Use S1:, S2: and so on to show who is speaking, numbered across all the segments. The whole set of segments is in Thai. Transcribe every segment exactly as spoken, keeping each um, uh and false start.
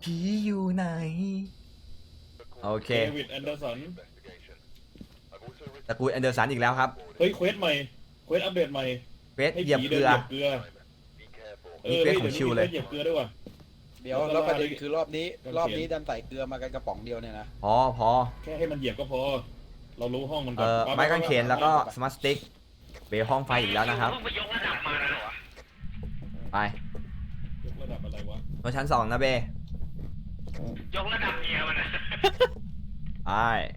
S1: ผีอยู่ไหนโอเค
S2: เดวิดแอนเดอร์สัน
S1: ตระกูลแอนเดอร์สันอีกแล้วครับ
S2: เฮ้ยเควสใหม่เควสอัปเดตใหม่
S1: เวส
S2: ให้
S1: เหยียบ
S2: ผี
S1: เก
S2: เดิ
S1: ลื
S2: น
S1: อ
S2: เหยียบเกลือเอ
S1: นี่
S2: อ
S1: เควส
S2: ฮ้
S1: ของชิวเลย
S2: ดี๋วนี้มีควสเหยียบเกลือด้วยว่ะ
S3: เดี๋ยวแล้วประเด็นคือรอบนี้รอบนี้ดันใส่เกลือมากันกระป๋องเดียวเนี่ยนะ
S1: พอพอ
S2: แค่ให้มันเหยียบก็พอ เรารู้ห้องมันก่
S1: เอ่
S2: อน
S1: อ
S2: ปะ
S1: ไม้กางเขนแล้วก็สมาร์ทสติ๊กเบลห้องไฟอีกแล้วนะครับ
S4: เพิ่งไปยกระดับมาแล้วเหรอวะ
S1: ไป
S2: ยกระดับอะไรวะ
S1: บนชั้นสองนะเบ
S4: ยกระดับเมียมันนะ
S1: ไป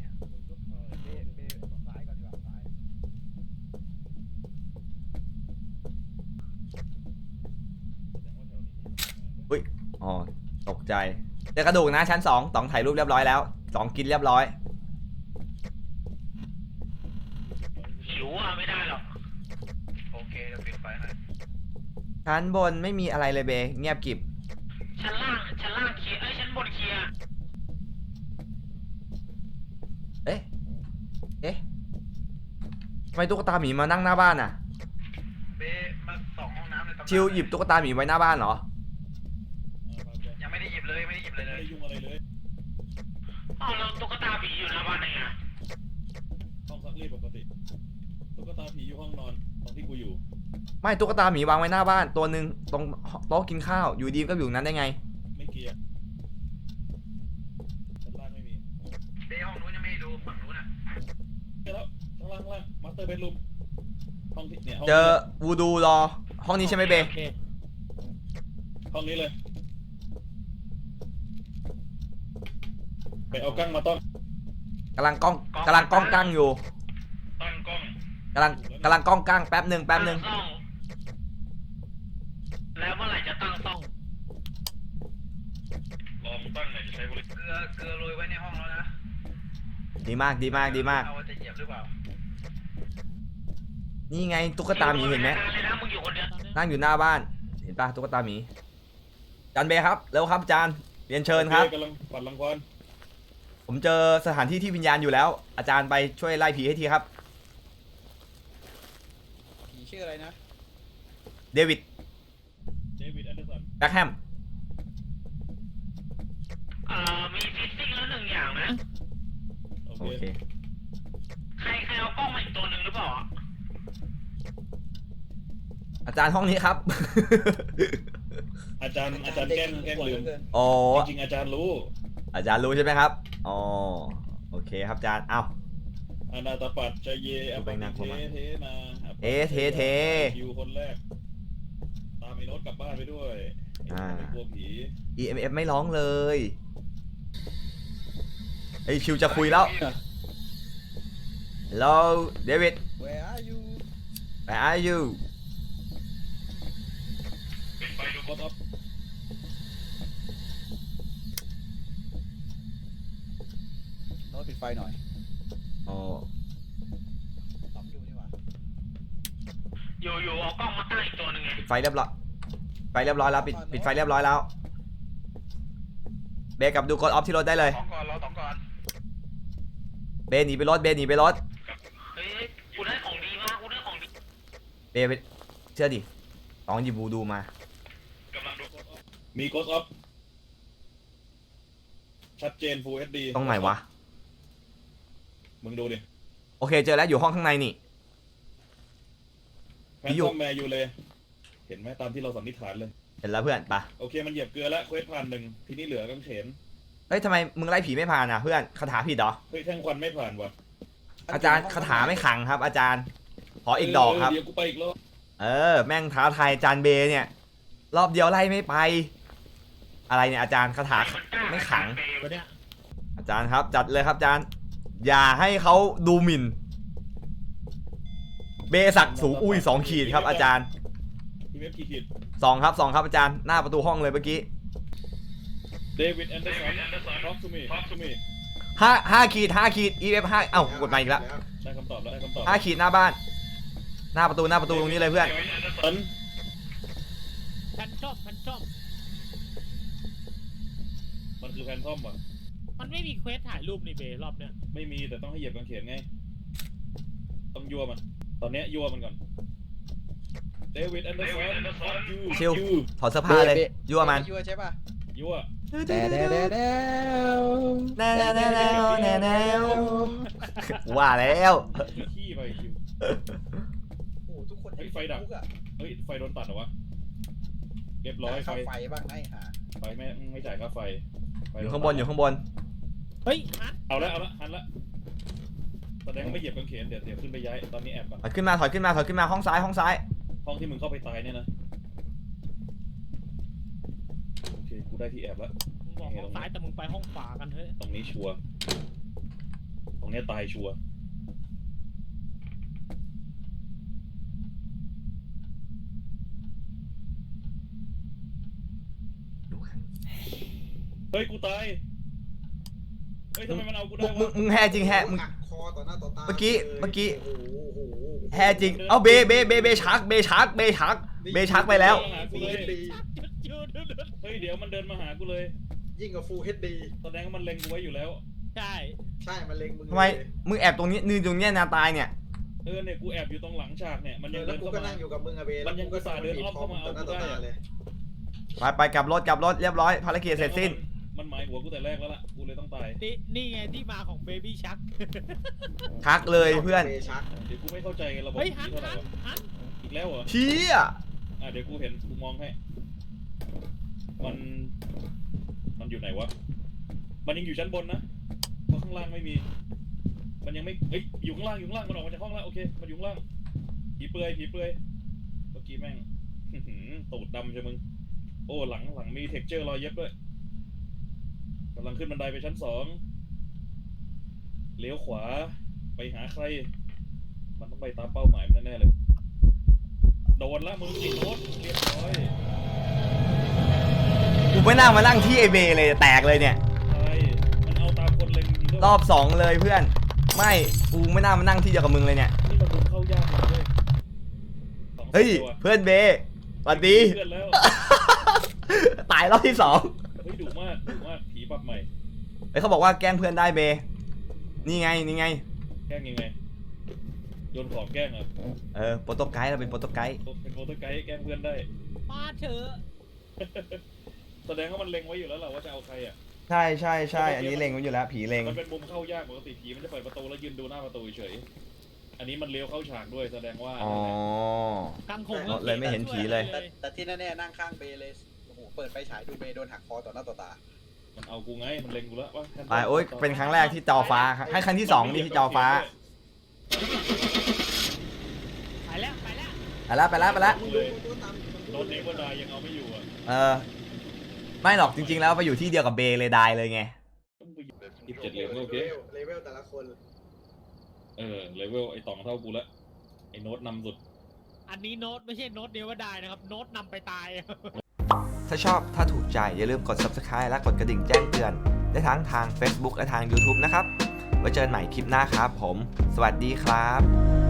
S1: อุ้ยอ๋อตกใจเจอกระดูกนะชั้นสองต๋องถ่ายรูปเรียบร้อยแล้วสองกินเรียบร้อย
S4: หิวอ่ะไม่ได้หรอกโอเคเดี๋ยวปิดไฟให้
S1: ชั้นบนไม่มีอะไรเลยเบเงียบกริบ
S4: ชั้นล่างชั้นล่างเคลียร์เอ้ยชั้นบนเคลียร์
S1: เอ๊ะเอ๊ะทำไมตุ๊กตาหมีมานั่งหน้าบ้านอ่ะ
S4: เบมาสองห้องน้ำในตำนาน
S1: ชิวหยิบตุ๊กตาหมีไว้หน้าบ้านเหรอ
S4: ยังไม่ได้หยิบเลยไม่ได้หยิบเลย
S2: ไม่
S4: เลย
S2: ได้ยุ่งอะไรเลย
S4: อ้าวแล้วตุ๊กตาผีอยู่หน้าบ้านได้ไง
S2: ห้องซักรีดปกติตุ๊กตาผีอยู่ห้องนอนตรงที่กูอยู่
S1: ไม่ตุ๊กตาหมีวางไว้หน้าบ้านตัวหนึ่งตรงโต๊ะกินข้าวอยู่ดีก็อยู่นั้นได้ไง
S2: ไม่เกียร์ชั้นล่างไม่มี
S4: เบห้องนู้นยังไม่ได้ดูฝั่งนู้นอ่ะ
S2: เจอแล้วข้างล่างข้างล่างมาสเตอร์เบดรูมห้องที่เนี่ยห้อง
S1: เจอวูดูรอห้องนี้ใช่ไหมเบ
S4: โอค
S2: ห้องนี้เลยไปเอากั้งมาต้อน
S1: กำลังกล้องกำลังกล้องกั้งอยู่
S2: ตั้งกล้อง
S1: กำลังกำลังกล้องกั้งแป๊บหนึ่งแป๊บหนึ่ง
S4: ตั้ซ่องแล้วเมื่อไหร่จะตั้งซ่อง
S2: รอมึงตั้งหน่อยจะใช้บริ
S4: เกลือเกลือโรยไว้ในห้องแล้วนะ
S1: ดีมากดีมากดีมาก
S4: เอาจะเหยียบหรือเปล่า
S1: นี่ไงตุ๊กตาหมีเห็นไหม
S4: เลยนะมึงอยู่คนเดียว
S1: นั่งอยู่หน้าบ้านเห็นปะตุ๊กตาหมีจานเบครับเร็วครับจานเรียนเชิญครับ
S2: กำลังปัดรังควาน
S1: ผมเจอสถานที่ที่วิญญาณอยู่แล้ว อาจารย์ไปช่วยไล่ผีให้ทีครับ
S3: ผีชื่ออะไรนะ
S1: เดวิด
S2: เดวิดแอนเดอร์สัน
S1: แบ็คแฮม
S4: เอ่อมีฟิซซิ่งแล้วหนึ่งอย่างนะ
S2: โอ
S1: โอ
S2: เค
S1: เค
S4: ใครใครเอากล้องมาอีกตัวหนึ่งหรือเปล่าอ่ะ
S1: อาจารย์ห้องนี้ครับ
S2: อาจารย์อาจารย์แกล้งแกล้งลืม
S1: อ๋อ
S2: จริงๆอาจารย์รู้
S1: อาจารย์รู้ใช่ไหมครับอ๋อโอเคครับอาจารย์เอ้า
S2: อนาตปัจจเยอป
S1: ไป
S2: ปิ
S1: นัก
S2: เท
S1: ผมอะ
S2: เทนา
S1: เอเทเท
S2: คิวคนแรก ตามไอ้โน้ตกลับบ้านไปด้วย
S1: อ่า
S2: ไอ้กลัวผี
S1: อี เอ็ม เอฟ ไม่ร้องเลยไอชิวจะคุยแล้ว Hello David
S3: Where are you
S1: where are you
S2: ปิดไฟดูกดออฟ
S3: โน้ตปิดไฟหน่อย
S1: อ๋อ
S3: สองอยู่นี่หว่า
S4: อยู่อยู่เอากล้องมาตั้งอีกตัวหนึ่งไง
S1: ปิดไฟเรียบร้อยไฟเรียบร้อยแล้วปิดปิดไฟเรียบร้อยแล้วเบกับดูกดออฟที่รถได้เลย
S4: สองก่อนเราสองก่อน
S1: เบหนีไปรถเบหนีไปรถ
S4: เฮ้ยกูได้ของดีมากกูได้ของดี
S1: เบไปเชื่อดิต้องหยิบบูดูมา
S2: กำลังดูกดออฟมีกดออฟชัดเจน Full เอช ดี
S1: ตรงไหนวะ
S2: มึงดูดิ
S1: โอเคเจอแล้วอยู่ห้องข้างในนี่
S2: แฟน
S1: อยู่
S2: ซอมแมร์อยู่เลย เห็นไหมตามที่เราสันนิษฐานเลย
S1: เห็นแล้วเพื่อนปะ
S2: โอเคมันเหยียบเกลือแล้วเควสผ่านหนึ่งทีนี้เหลือกางเขน
S1: เฮ้ยทำไมมึงไล่ผีไม่ผ่านอ่ะเพื่อนคาถาผิดเหรอ
S2: เฮ้ยแท่งควันไม่ผ่านว่ะ
S1: อาจารย์คาถาไม่ขังครับ อาจารย์ขออีกดอกครับ
S2: เดี๋ยวกูไปอีกรอบ
S1: เออแม่งท้าทายอาจารย์เบเนี่ย รอบเดียวไล่ไม่ไป อะไรเนี่ยอาจารย์คาถาไม่ขัง
S4: ตัวเนี้ย
S1: อาจารย์ครับจัดเลยครับอาจารย์ อย่าให้เขาดูหมิ่น เบสักสูงอุ้ยสองขีดครับอาจารย์
S2: ทีเว็บกี่ขีด
S1: สองครับสองครับอาจารย์หน้าประตูห้องเลยเมื่อกี้
S2: เดวิดแอนเดอร์สัน talk to me talk to me
S1: ห้าห้าขีดห้าขีด อี เอฟ ห้าเอ้ากดมาอีกแล้ว
S2: ได้คำตอบแล้วได้คำตอบ
S1: ห้าขีดหน้าบ้าน หน้าประตูหน้าประตูตรงนี้เลยเพื่อน
S2: สัน
S5: แพนทอมแพนทอม
S2: มันคือแฟนทอมอ่ะ
S5: มันไม่มีเควสถ่ายรูปในเบรอบเนี้ย
S2: ไม่มีแต่ต้องให้เหยียบกางเขนไง ต้องยั่วมัน ตอนเนี้ยยั่วมันก่อน เดวิดแอนเดอร์สัน
S1: ชิลถอดเสื้อผ้าเลยยั่วมัน
S3: ยั่วใช่ป่ะ
S2: ยั่ว
S3: แด่แด่แด่แด่
S1: แน่แน่แน่แน่แน่แน่ว่าแล้ว
S2: ไปขี้ไปคิว
S3: โอ้ทุกคน
S2: เฮ้ยไฟดับ
S3: ทุกอะ
S2: เฮ้ยไฟโดนตัดเหรอวะเรียบร้อยไฟ
S3: ค่าไฟบ้างไอ้ห่า
S2: ไฟไม่ไม่จ่ายค่าไฟไฟ
S1: อ
S2: โด
S1: ยู่
S2: ตัด
S1: ข้างบนอยู่ข้างบน
S5: เฮ้ยฮัน
S2: เอาละเอาละหันละแสดงว่าไม่เหยียบกางเขนเดี๋ยวเดี๋ยวขึ้นไปย้ายตอนนี้แอบก่อน
S1: ถอยขึ้นมาถอยขึ้นมาถอยขึ้นมาห้องซ้ายห้องซ้าย
S2: ห้องที่มึงเข้าไปตายเนี่ยนะโอเคกูได้ที่แอบแล้ว
S5: มึงบอกห้องซ้ายแต่มึงไปห้องขวากันเฮ้ย
S2: ตรงนี้ชัวร์ตรงเนี้ยตายชัวร์ เฮ้ยกูตาย เฮ้ยทำไมมันเอากูได้
S1: มึงมึง
S2: วะ
S1: มึงแห่จริงแห่มึง
S6: หักคอต่อหน้าต่อตา
S1: เมื่อกี้เมื่อกี้
S6: โอ้โหโอ้โห
S1: แห่จริงเอาเบเบเบเบชักเบชักเบชักเบชักไปแล้ว
S2: มาหากูเลย
S6: ดี
S5: จุดจุดจุด
S2: เฮ้ยเดี๋ยวมันเดินมาหากูเลย
S6: ยิ่งกว่าฟูลเฮดดี
S2: แสดงว่ามันเล็งกูไว้อยู่แล้ว
S5: ใช่
S6: ใช่มันเล็งมึง
S1: ทำไม
S6: เลย
S1: มึงแอบตรงนี้นืนตรงเนี้ยนาตายเนี่ย
S2: เออเนี่ยกูแอบอยู่ตรงหลังฉากเนี่ยมัน
S6: เอ
S2: ยัง
S6: อแล้
S2: เดิ
S6: วน กู
S2: เข้า
S6: ก็
S2: มา
S6: นั่งอยู่กับมึงอะเบ
S2: มันยังอุตส่าห์เดินอ้อมเข้ามาเอา
S6: ต่อหน้าต่อ
S2: กูได้
S6: ตา
S2: อะ
S6: เลย
S1: ไปไปกลับรถกลับรถเรียบร้อยภารกิจเสร็จสิ้น
S2: มันหมายหัวกูแต่แรกแล้วล่ะกูเลยต้องตาย
S5: นี่นี่ไงที่มาของเบบี้ชัก
S1: ชักเลยเพื่อน
S6: บชัก
S2: เดี๋ยวกูไม่เข้าใจระบบ
S5: เฮ้ย
S2: นี้
S5: ฮัน
S2: เท่าไหร่
S5: ฮัน
S2: วะ
S5: ฮัน
S2: อีกแล้วเหรอ
S1: เชี่ย
S2: อ่ะเดี๋ยวกูเห็นกูมองให้ มัน มันอยู่ไหนวะ มันยังอยู่ชั้นบนนะเพราะข้างล่างไม่มี มันยังไม่เอ้ยอยู่ข้างล่างอยู่ข้างล่างมันออกมาจากห้องแล้วโอเคมันอยู่ข้างล่างผีเปลือยผีเปลือยเมื่อกี้แม่ง อื้อหือตูดดำใช่มึงโอ้หลังหลังมีเท็กเจอร์รอยเย็บด้วยกำลังขึ้นบันไดไปชั้นสองเลี้ยวขวาไปหาใคร มันต้องไปตามเป้าหมายมันแน่ๆเลยโดนละมึงอีกโดนเรียบร้อย
S1: กูไม่น่ามานั่งที่ไอเบเลยแตกเลยเนี่ย
S2: ใช่มันเอาตามคนเล็งจริงด้วย
S1: รอบสองเลยเพื่อน ไม่กูไม่น่ามานั่งที่เดียวกับมึงเลยเนี่ย
S2: นี่มันดูเข้ายากเลยเว้ยสอง
S1: เฮ้ย
S2: ตัว
S1: เพื่อนเบสวัสดี
S2: เพื่อนแล้ว
S1: ตายรอบที่สอง
S2: เฮ้ยดุมากดุมากผีปรับใหม่
S1: เฮ้ยเขาบอกว่าแกล้งเพื่อนได้เบ นี่ไงนี่ไง
S2: แกล้งยังไงโยนของแกล้งเหรอ
S1: เออโปรโตไกด์เราเป็นโปรโตไกด์
S2: เป็นโปรโตไกด์แกล้งเพื่อนได้
S5: มาเถอะ
S2: แสดงว่ามันเล็งไว้อยู่แล้วแหละว่าจะเอาใครอ่ะ
S1: ใช่ใช่ใช่อันนี้เล็งไว้อยู่แล้วผีเล็ง
S2: มันเป็นมุมเข้ายากปกติผีมันจะเปิดประตูแล้วยืนดูหน้าประตูเฉยๆอันนี้มันเลี้ยวเข้าฉากด้วยแสดงว่า
S1: อ๋อ
S5: กังคง
S1: เลยไม่เห็นผีเลย
S3: แต่แต่ที่แน่ๆนั่งข้างเบเลยโอ้โหเปิดไฟฉายดูเบโดนหักคอต่อหน้าต่อตา
S2: มันเอากูไงมันเล็งกูแล้วว่า
S1: ไปโอ๊ยเป็นครั้งแรกที่จอฟ้าให้ครั้งที่สองนี่ที่จอฟ้า
S5: ไปแล้วไปแล้ว
S1: ไปแล้วไปแล้วไปแล้ว
S6: มึงดูตัวตามอยู่ตรง
S2: โดนเนเวอร์ดายยังเอาไม่อยู่อ่ะ
S1: เออไม่หรอกจริงๆแล้วไปอยู่ที่เดียวกับเบเลยได้เลยไง
S2: ต้องไปยี่สิบเจ็ดเหรียญก็โอเค
S6: เลเวลแต่ละคน
S2: เออเลเวลไอ้ต่องเท่ากูละไอ้โน้ตนำสุด
S5: อันนี้โน้ตไม่ใช่โน้ตเดียวว่าได้นะครับโน้ตนำไปตาย
S1: ถ้าชอบถ้าถูกใจอย่าลืมกด Subscribe และกดกระดิ่งแจ้งเตือนได้ทั้งทาง Facebook และทาง YouTube นะครับไว้เจอกันใหม่คลิปหน้าครับผม สวัสดีครับ